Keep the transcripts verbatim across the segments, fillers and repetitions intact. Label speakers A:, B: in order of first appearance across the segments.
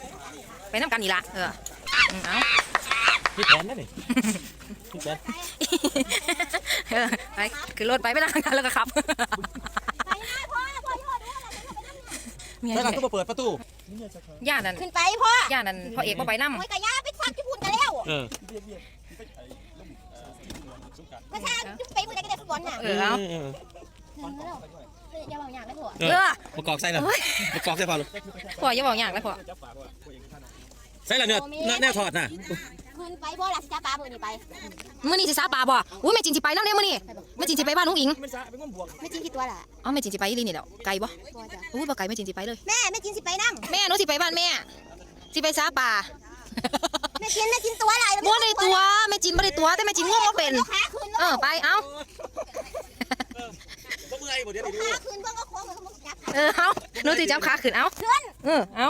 A: ไปน้ำกันอีละเออเอา
B: พี่แผนนั่นนี่พี่แผน
A: เออไปคือรถไปไม่ได้กันแล้วก็ขับ
B: ใช่กันต้องมาเปิดประตู
A: ย่านั่น
C: ขึ้นไปพ่
A: อย่านั่นพ่อเอกพ่อไปน้ำ
C: โอ้ยกะย่าไปซักที่พุ่นกันแล้ว
B: เออ
C: ก็ใช่ไปมือได้ก็ได้ฟุตบอลน่ะ
A: เออเอา
C: อย่าบอกอย่างนั้นพ่อ
B: เออประกอบใส่เลยประกอบใส่พอลูก
A: พ่ออย่าบอกอย่างเลยพ่อ
B: ใส่ละเนื้อแน่ถอดน่ะ
C: ขึ้นไปพ่อหลักจ้าปลามือนี่ไป
A: มื้อนี้สิซาปลาบ่อุ้ยแม่จินสิไปแล้วเนี่ยมื้อนี้แม่จินสิไปบ้านลุงอิง
C: แม่จินกี่ตัวล่ะ
A: อ๋อแม่จินสิไปอีหลีนี่แหละไกลบ่อุ้ยบ่ไกลแม่จินสิไปเลย
C: แม่แม่จินสิไปนั่ง
A: แม่หนูสิไปบ้านแม่สิไปซาปลา
C: แม่จินแม่จินตัวอะไร
A: บ่ได้ตัวแม่จินบ่ได้ตัวแต่แม่จินง่วงบ่เป็นเออไปเอ้า
B: บ่เมื่อยบ่เดี๋ยว
C: ขาขึ้นเพิ่งก็โค้งเหมือนเขาจับ
A: เออเอาหนูสิจับขาขึ้นเอาเออเอา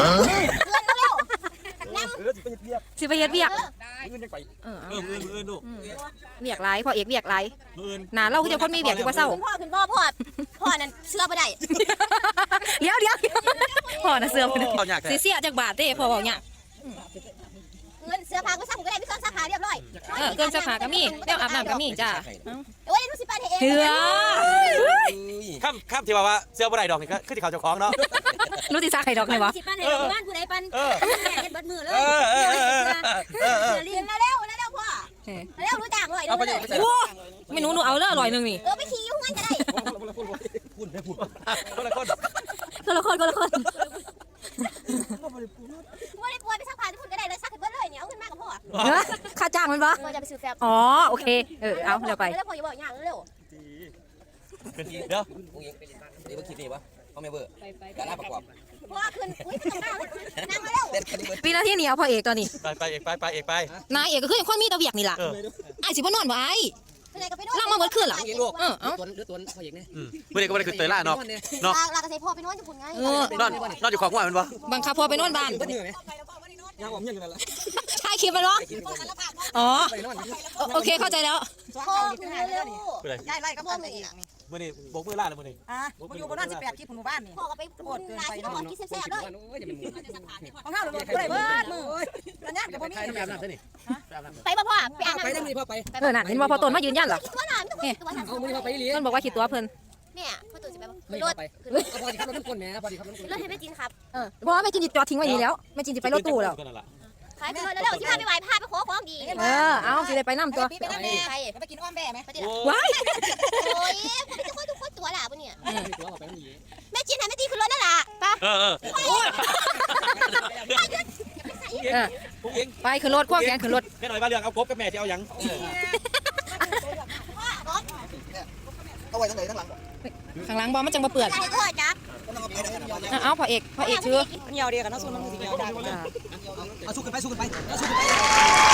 A: สิไปเฮ็ดเวียกเออเออเออลูกเวียกไรพ่อเอกเวียกไรนานเราคือจะคนมีเวียกอยู่ว่าเศร้า
C: พ่อขึ้นพ่อพ่อพ่อนั่นเสื้อไม่ได้
A: เดี๋ยวเดี๋ยวพ่อน่ะเสื้อไม่ได้สิเสียจากบาทเด้พ่อบอกเนี่ย
C: เงินเสื้อผ้าก็สั่งก็ได้พี่ซ้อนสาขาเรียบร้อย
A: เออเกินสาขาก็มีแล้วอาบน้ำก็มีจ้า
C: โอ้ยรู้สิป้าเอง
A: เถื่อ
B: ข้ามข้ามที่ว่าเสื้อบ่ได้ดอกนี่ก็คือที่เขาเจ้าของเนาะ
A: รู้ที่ซักไข่ดอกไงวะ
C: สิป้าเองบ้านผู้ใดปันแม่เฮ็ดเบิดมือเลยเรียนมาแล้วมาแล้วพ่อแล้วรู้จักเลย
A: โอ้ไม่หนูหนูเอาเลยอร่อยนึงนี่
C: เออไปขี่ยุ่งกันก็ได้
B: พูดได้พูดคนละคน
A: คนละคนคนละคน
C: ไม่ได้ป่วยไปซักผ้าที่พุ่นก็ได้เลยซักให้เบิดเลยเนี่ยเอาขึ้นมากับพ่อ
A: ค่าจ้างมันปะ
C: พ่อจะไปซื้อแฟบ
A: อ๋อโอเคเออเอาเร็วไป
C: แล้วพ่ออย่าบอกอย่างเร็ว
B: เดี๋ยว
D: เดี๋ยวคิดนี่วะเขาไม่เบอร์ดาราประกอบ
C: พ่อขึ้นอุ้ยนั่งมาแล้ว
A: ปีนาทีเหนียวพ่อเอกตอนนี้
B: ไปไปเอกไปไปเอกไป
A: นายเอกก็คือคนมีตะเวียกนี่ล่ะไอ้สิบ่นอนบ่ไอ้ล่างมาเบิดขึ้นหรอเออเอา
D: ตัวหรือตัวพ่อเอกเนี่ย
B: เมื่อเด็กก็ไม่ได้คือเตยล่าเนาะ
C: เนาะลากระใส่พ่อไปนอนญี่ปุ่นไง
B: นอนนอนอยู่ของหัวมันวะ
A: บังคับพ่อไปนอนบ้าน
D: ยังผมยังอยู่นั่นแหละ
A: ใช่คลิปมันวะอ๋อโอเคเข้าใจแล้ว
C: พ่อคือเร็ว
E: ย้ายไล่กับพ่อเลยอีก
B: เมื่อนี้บกมือล่าเลยเมื่อนี้
E: อ่ะมาอยู่บนนั้นสิบแปดคลิปหมู่บ้านนี่
C: พ่อก็ไปพูดลาที่พ่อกินแซ่บๆเลย
E: ของข้าวเลยเลยเบิดมือระยะกับพ่อมี
C: ไปป่ะพ่อไปอ่าน
D: ไปได้มือพ่อไป
A: เออน่ะเห็นว่าพ่อต้นมายืนยันเหรอ
C: เนี่ย
D: เอามือพ่อไปเลี้ยง
A: ต้นบอกว่าขีดตัวเพิ่น
C: เนี่ยพ่อต้นจะไป
D: ไม่ไปพอดีครับรถคนแม่พอดีครับรถ
C: รถให้แม่จินครับ
A: เออเพราะว่าแม่จินจอดทิ้งไว้นี่แล้วแม่จินจะไปรถตู้แล้ว
C: ไปไปเลยแล้วที่พาไปไหว้พาไปขอของดี
A: เออเอาสิได้ไปน้ำตัว
E: ไปน้ำแม่ไปกินอ้อมแม่ไหม
A: ว้าย
C: โอ้ยผมไม่จะค่อยทุกคนตัวล่ะปะเนี่ยแม่จินไหนแม่ตีขึ้นรถนั่นล่ะ
B: ปะเออเออ
A: ไปขึ้นรถควงแขนขึ้นรถ
B: แม่หน่อยบ้านเรืองเอากบกับแม่จะเอายัง
D: เอาไว้ทั้งไหนทั้งหลัง
A: ข้างหลังบอลมันจังมาเปื่อนเอาพ่อเอกพ่อเอกชื่อ
E: เหนียวเดียวกันนะส่วนมันเหนียวได้
D: เอาสู้กันไปสู้กันไปสู้กันไป